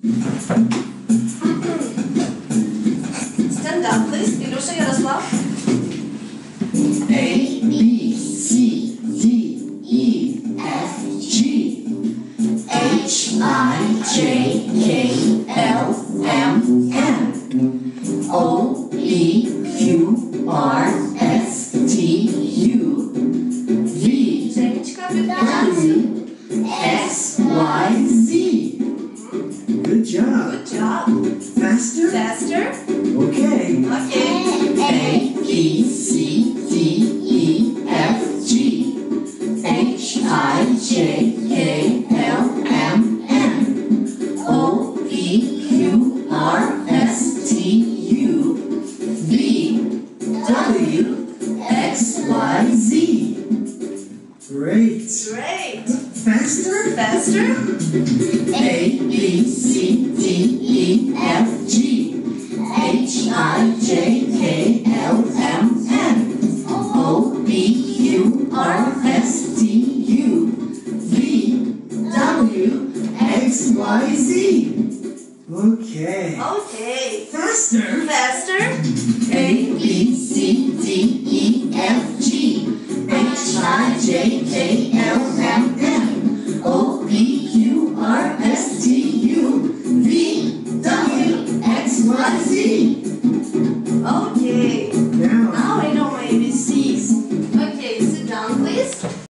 Stand up, please. Ilusha Yaroslav. A, B, C, D, E, F, G, H, I, J, K, L, M, N, O, P, Q, R, S, T, U, V, W, X, Y, Z. Good job. Good job. Faster? Faster. Okay. Okay. A, B, C, D, E, F, G, H, I, J, K, L, M, N, O, P, Q, R, S, T, U, V, W, X, Y, Z. Great. Great. Faster? Faster. A, B, C, D, E, F, G, H, I, J, K, L, M, N, O, P, Q, R, S, T, U, V, W, X, Y, Z. Okay. Okay. Faster? Faster.